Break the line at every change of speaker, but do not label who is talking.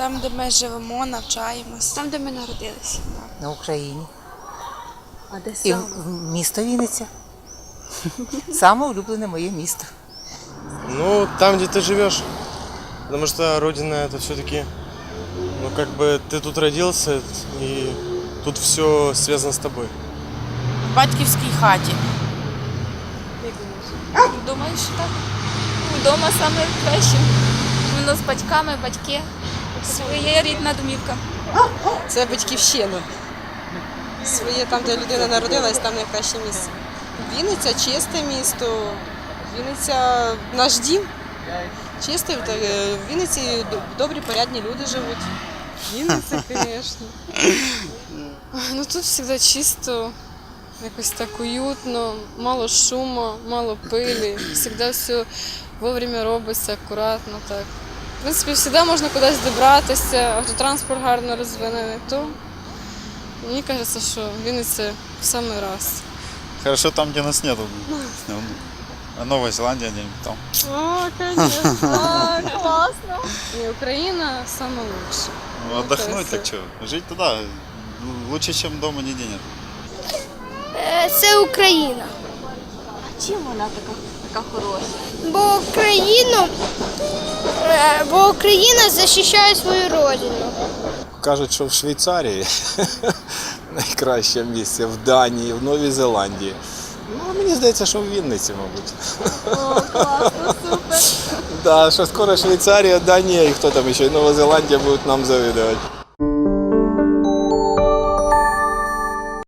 Там, де ми живемо, навчаємось.
Там, де ми народилися.
На Україні.
А де
І
саме?
місто Вінниця. Саме улюблене моє місто.
Ну, там, где ты живешь. Потому что родина это все-таки, ну, как бы ты тут родился, и тут все связано с тобой.
В батьківській хаті.
Думаю, що так. Вдома саме краще. Воно з батьками, батьки. Своя рідна домівка.
Це батьківщина. Своє там, де людина народилась, там найкраще місце. Вінниця чисте місто. Вінниця наш дім. Чистий, в Вінниці добрі, порядні люди живуть.
Вінниця, звісно. Ну тут завжди чисто, якось так уютно, мало шуму, мало пилі. Завжди все вовремя робиться, акуратно так. В принципі, завжди можна кудись добратися, автотранспорт гарно розвинений. То мені кажеться, що Вінниця в самий раз.
Хорошо там, где нас нету. А Новая Зеландия где-нибудь там.
О, звісно. Класно. І Україна саме лучше.
Ну, отдохнуть так что. Жить туда лучше, чем дома нигде нет.
Це Україна.
А чим вона така хороша?
Бо Україна захищає свою родину.
Кажуть, що в Швейцарії найкраще місце, в Данії, в Новій Зеландії. Ну, мені здається, що в Вінниці, мабуть.
О, класно, супер.
Да, що скоро Швейцарія, Данія і хто там ще, і Нова Зеландія будуть нам завидувати.